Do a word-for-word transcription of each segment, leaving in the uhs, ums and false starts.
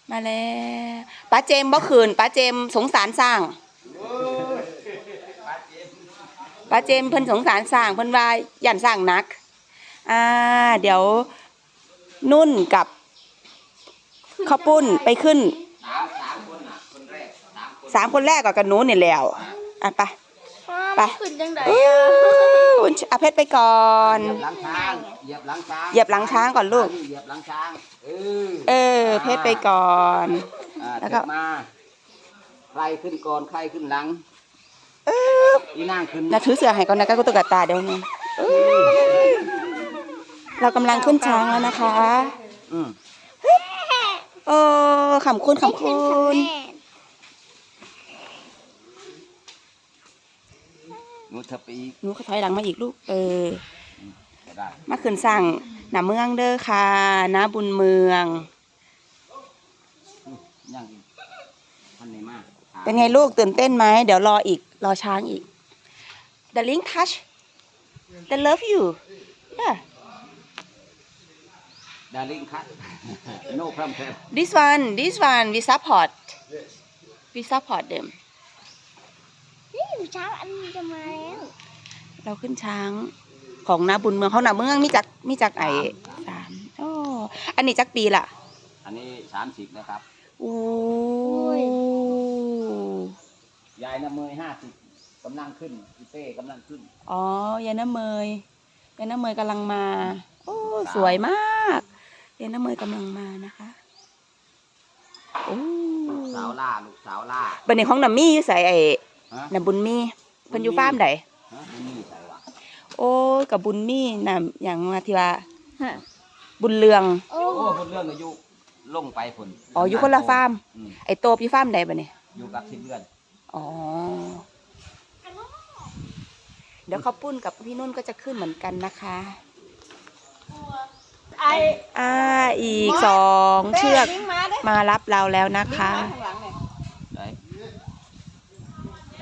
มาแล้วป้าเจมบ่คืนป้าเจมสงสารสร้างป้าเจมเพิ่นสงสารสร้างเพิ่นว่าย่านสร้างนักอ่าเดี๋ยวนุ่นกับข้าวปุ้นไปขึ้นสามคนแรกกับกันนู้นนี่แล้วอ่ะไปไปขึ้นจังได๋อ่ะเพชรไปก่อนเหยียบหลังช้างเหยียบหลังช้างเหยียบหลังช้างก่อนลูกเหยียบหลังช้างเออเออเพชรไปก่อนแล้วก็มาใครขึ้นก่อนใครขึ้นหลังเออนี่นั่งขึ้นนะถือเสือให้ก่อนนะก็ตุ๊กตาเดี๋ยวนี้เรากำลังขึ้นช้างแล้วนะคะอืมเออขำคุณขำคุณหนูเธอไปอีกหนูถอยหลังมาอีกลูกเออมาขึ้นสั่งหน้าเมืองเด้อค่ะน้าบุญเมืองยังอีกท่านไหนมากเป็นไงลูกตื่นเต้นไหมเดี๋ยวรออีกรอช้างอีก The link touch The love you yeah Darling cut no problem This one this one we support we support them นี่ช้างอันนี้จะมาแล้วเราขึ้นช้างของนาบุญเมืองเขาหนาเมืองมีจักมีจักไอสามโอ้อันนี้จักปีล่ะอันนี้สามสิบนะครับโอ้ยยายน้ำเมยห้าสิบกำลังขึ้นพี่เต้กำลังขึ้นอ๋อยายน้ำเมยยายน้ำเมยกำลังมาโอ้สวยมากยายน้ำเมยกำลังมานะคะโอ้ลูกสาวล่าลูกสาวล่าบันนี้ของน้ำมี่อยู่ใส่ไอ้น้ำบุญมี่เพิ่นอยู่ฟาร์มไหนโอ้กับบุญมี่น่ะอย่างมาที่ว่าบุญเรืองโอ้บุญเรืองอายุลงไปผลอ๋ออยู่คนละฟาร์มไอ้โตพี่ฟาร์มใดบ่เนี่ยอยู่กับที่เดือนอ๋อเดี๋ยวข้าวปุ้นกับพี่นุ่นก็จะขึ้นเหมือนกันนะคะไออ่าอีกสองเชือกมารับเราแล้วนะคะไหนไหน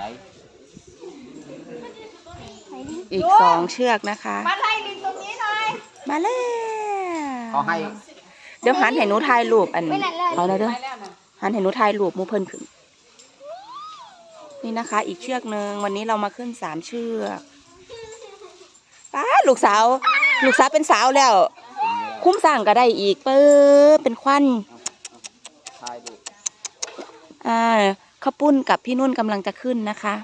อีกสองเชือกนะคะมาไล่ลิงตรงนี้หน่อยมาแล้วเขาให้เดี๋ยวหันให้หนูถ่ายรูปอันเอาแล้วเด้อหันให้หนูถ่ายรูปมูเพิ่นขึ้นนี่นะคะอีกเชือกหนึ่งวันนี้เรามาขึ้นสามเชือกป้าลูกสาวลูกสาวเป็นสาวแล้วคุ้มสร้างก็ได้อีกเปิ้ลเป็นควันอ่าข้าวปุ้นกับพี่นุ่นกำลังจะขึ้นนะคะ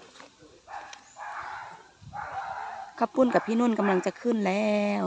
ข้าวปุ้นกับพี่นุ่นกำลังจะขึ้นแล้ว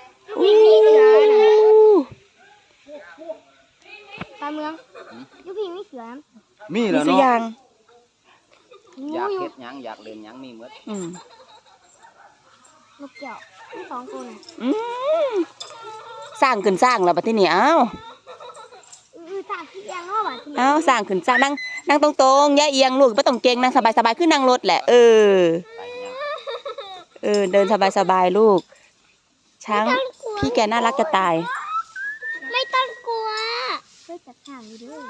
ตาเมืองยุพีมีเสือมีแล้วเนาะอยากเฮ็ดหยังอยากเล่นหยังมีหมดอืมลูกเกี่ยวสองคนอืมสร้างขึ้นสร้างแล้วบัดทีนี้เอ้าสร้างขึ้นยังเนาะบัดทีนี้เอ้าสร้างขึ้นสร้างนั่งนั่งตรงๆอย่าเอียงลูกบ่ต้องเก่งนั่งสบายๆขึ้นนั่งรถแหละเออเออเดินสบายๆลูกช้างพี่แกน่ารักจะตายไม่ต้องกลัวเฮ้ยจับช้างอยู่ด้วย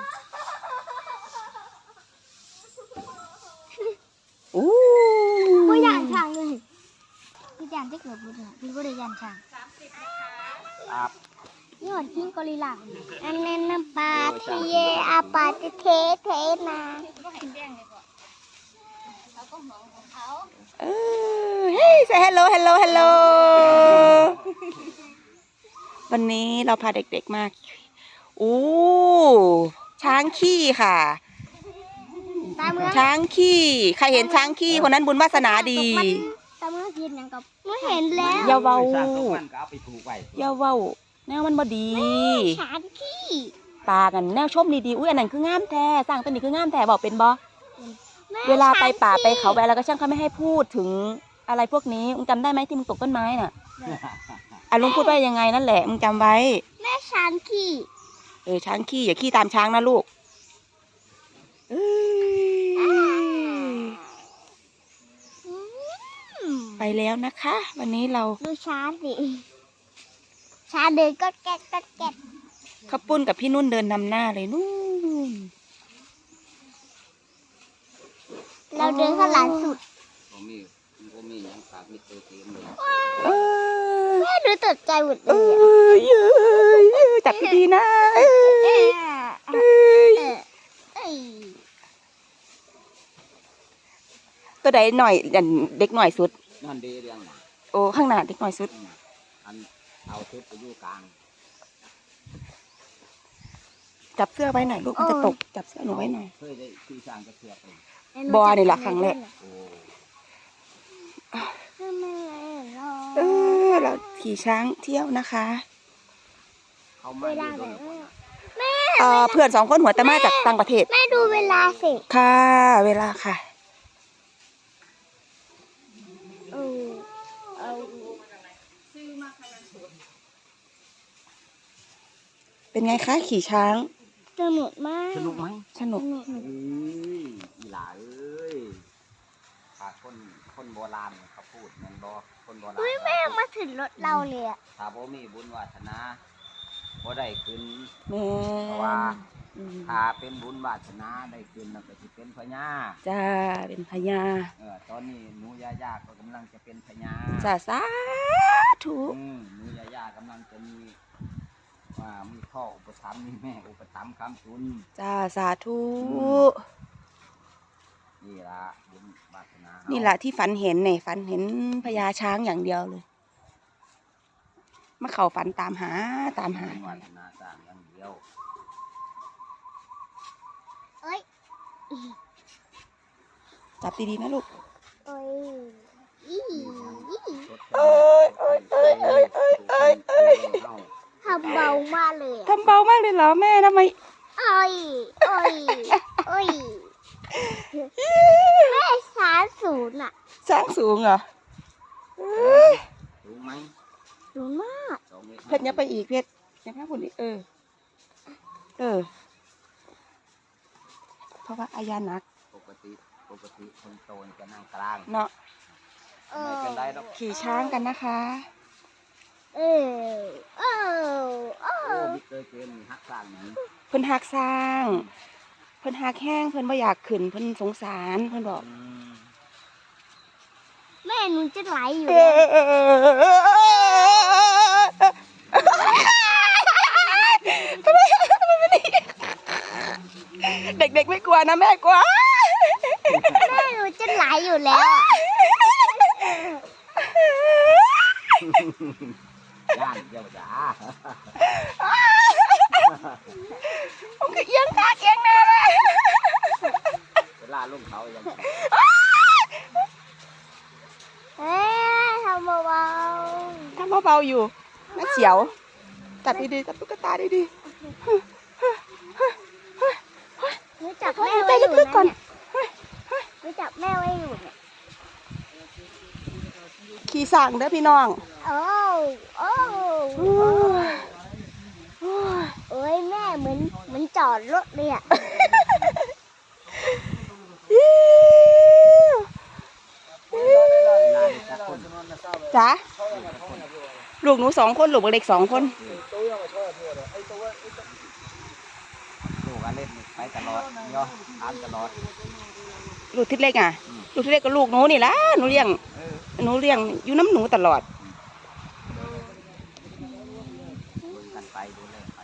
อู้ก็ย่านช้างเลยพี่ย่านที่เกิดบุญเนี่ยพี่ก็ได้ย่านช้างครับนี่หอดทิ้งกอริลลาอันนั้นน้ำปลาที่เยอาปลาจะเทเทมาเออเฮ้ย say hello hello hello วันนี้เราพาเด็กๆมาอู้ช้างขี้ค่ะช้างขี้ใครเห็นช้างขี้คนนั้นบุญวาสนาดีตาเมื่อเห็นยังกับไม่เห็นแล้วอย่าเว้าอย่าเว้าแนวมันบ่ดีช้างขี้ปากันแนวชมดีๆอุ้ยอันนั้นคืองามแท้สร้างตัวนี้คืองามแท้บอกเป็นบ่เวลาไปป่าไปเขาไปแล้วก็ช่างเขาไม่ให้พูดถึงอะไรพวกนี้มึงจำได้ไหมที่มึงตกต้นไม้น่ะอ่ะลุงพูดว่ายังไงนั่นแหละมึงจำไว้แม่ช้างขี้เออช้างขี้อย่าขี้ตามช้างนะลูกไปแล้วนะคะวันนี้เราดูช้างสิช้างเดินก็แก๊กก็แก๊กข้าวปุ้นกับพี่นุ่นเดินนำหน้าเลยนู่นเราเดินข้างหลังสุดผมมีผมมียังฝากมีตัวเต็มเลยแม่ดูตกใจหมดเลยจับดีนะตัวใดหน่อยอันเด็กหน่อยสุดนั่นดีเรื่องหนาโอ้ข้างหน้าเด็กหน่อยสุดอืมอันเอาชุดไปอยู่กลางจับเสื้อไว้หน่อยลูกมันจะตกจับเสื้อหนูไว้หน่อยเคยได้ขี่ช้างกระเทือกเลยบอนี่ล่ะครั้งแรกโอ้ทำไมรอเออเราขี่ช้างเที่ยวนะคะเขามาเวอลายู่ไหนโดนแม่เอ่อเพื่อนสองคนหัวแต่มาจากต่างประเทศแม่ดูเวลาสิค่ะ เวลาค่ะเออเอาเป็นไงคะขี่ช้างสนุกมากสนุกไหมสนุกสนุกเอ้ยอีหลาเอ้ยถ้าคนคนโบราณเขาพูดแมันบอกคนโบราณเฮ้ยแม่มาถึงรถเราเลยอะถ้าบ่มีบุญวาสนาบ่ได้ขึ้นแม่เพราะว่าอืมถ้าเป็นบุญวาสนาได้ขึ้นแล้วก็สิเป็นพญาจ้าเป็นพญาเออตอนนี้หนูยายาก็กำลังจะเป็นพญาจ้าสาธุอืมหนูยายากำลังจะมีว่ามีพ่ออุปถัมภ์มีแม่อุปถัมภ์คำจุนจ้าสาธุนี่ละบุญวาสนานี่นี่แหละที่ฝันเห็นเนี่ยฝันเห็นพญาช้างอย่างเดียวเลยมาเข่าฝันตามหาตามหาบุญวาสนาสร้างอย่างเดียวเอ้ยจับดีๆนะลูกเอ้ยอีอีเอ้ยเอ้ยเอ้ยเอ้ยเอ้ยเอ้ยเอ้ยทำเบามากเลยอะทำเบามากเลยเหรอแม่ทำไมโอ้ยโอ้ยโอ้ยแม่สามศูนย์อะช้างสูงเหรอเอ้ยถูกไหมศูนย์มากสองมตรเพชรยับไปอีกเพชรยับหน้าคนอีกเออ เออ เพราะว่าอายานักปกติปกติคนโตจะนั่งกลางเนาะไม่เป็นไรหรอกขี่ช้างกันนะคะเออเออเอโอ้อบิ๊กเตอร์เกมฮักสร้างหนีเพิ่นหักสร้าง เพิ่นหักแห้งเพิ่นบ่อยากขึ้นเพิ่นสงสารเพิ่นบอกอืมแม่หนูจะไหลอยู่เอแล้วเด็กๆไม่กลัวนะแม่กลัวแม่หนูจะไหลอยู่แล้วอะย่านเดียวจ้าผมก็เอียงขาเอียงหน้าเลยเวลาลงเขายังเอ้ยทำเบาทำเบาๆอยู่น่าเสียวจับดีๆจับตุ๊กตาดีๆหนูจับๆแม่หายใจไว้อยู่ลึกๆก่อนนะหนูจับแม่ไว้อยู่เนี่ยขี่สั่งเด้อพี่น้องโอ้โอ้โอ้เอ้ยแม่เหมือนเหมือนจอดรถเลยอะจ๋าลูกหนูสองคนลูกเล็กสองคนลูกอันเล่นไปตลอดเนาะทานตลอดลูกที่เล็กอ่ะ ลูกที่เล็กก็ลูกหนูนี่ละหนูเลี้ยงเออหนูเลี้ยงอยู่น้ำหนูตลอดดูกันไปดูแลไป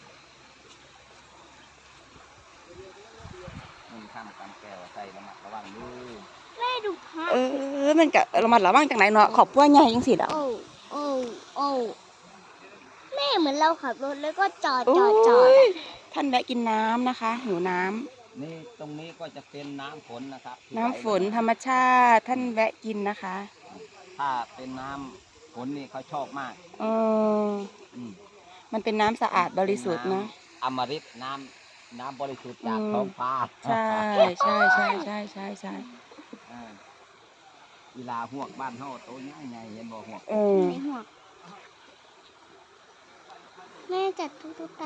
มึงข้ามกันแก้วใส่ระมัดระวังมือแม่ดูพระเออ มันก็ระมัดระวังจังไหนเนาะขอบปัวใหญ่ยังสิอ่ะโอ้โอ้โอ้แม่เหมือนเราขับรถแล้วก็จอดโอ้จอดจอดยอะท่านแวะกินน้ำนะคะหิวน้ำนี่ตรงนี้ก็จะเป็นน้ำฝนนะครับที่น้ำฝนไหลธรรมชาติท่านแวะกินนะคะถ้าเป็นน้ำฝนนี่เขาชอบมากเอออืมมันเป็นน้ำสะอาดบริสุทธิ์นะอมฤตน้ำน้ำบริสุทธิ์จากอืมท้องฟ้าใช่ใช่ใช่ใช่ใช่ใช่เออเวลาหวกบ้านเฮาโตใหญ่ใหญ่เห็นบ่หวกเออในหัวแม่จัดทุกๆ